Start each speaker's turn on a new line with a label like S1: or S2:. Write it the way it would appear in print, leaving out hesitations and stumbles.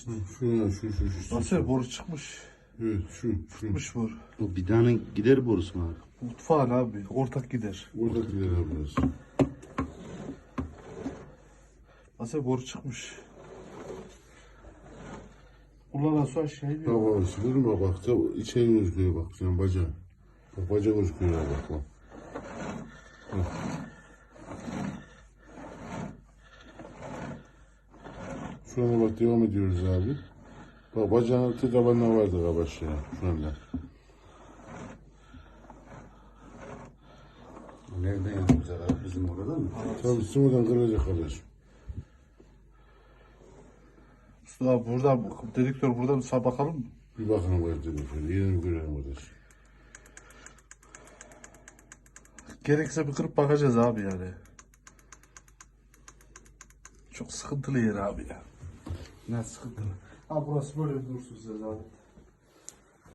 S1: Şu.
S2: Nasıl boru çıkmış?
S1: Evet şu.
S2: Çıkmış boru.
S3: O bidanın gider borusu mu abi?
S2: Mutfağın abi. Ortak gider.
S1: Orada gider abi biraz.
S2: Nasıl boru çıkmış? Kullanan su aşağı iniyor.
S1: Tamam abi sıvırma bak. İçeri gözüküyor bak. Sen bacağı. Bak bacağı gözüküyor abi bak. Şu anda bak devam ediyoruz abi. Bak bacağın altı tabanına vardı abi aşağıya şu anda.
S3: Nereden yapacağız abi? Bizim orada mı?
S1: Tabii sıvıdan kırılacak kardeşim.
S2: Mustafa burada dedektör burada mı? Bakalım mı?
S1: Bir bakalım kardeşim şöyle. Yerini görelim kardeşim.
S2: Gerekirse bir kırıp bakacağız abi yani. Çok sıkıntılı yer abi ya. Ne sıkıntılı. Ha burası böyle dursun size zaten.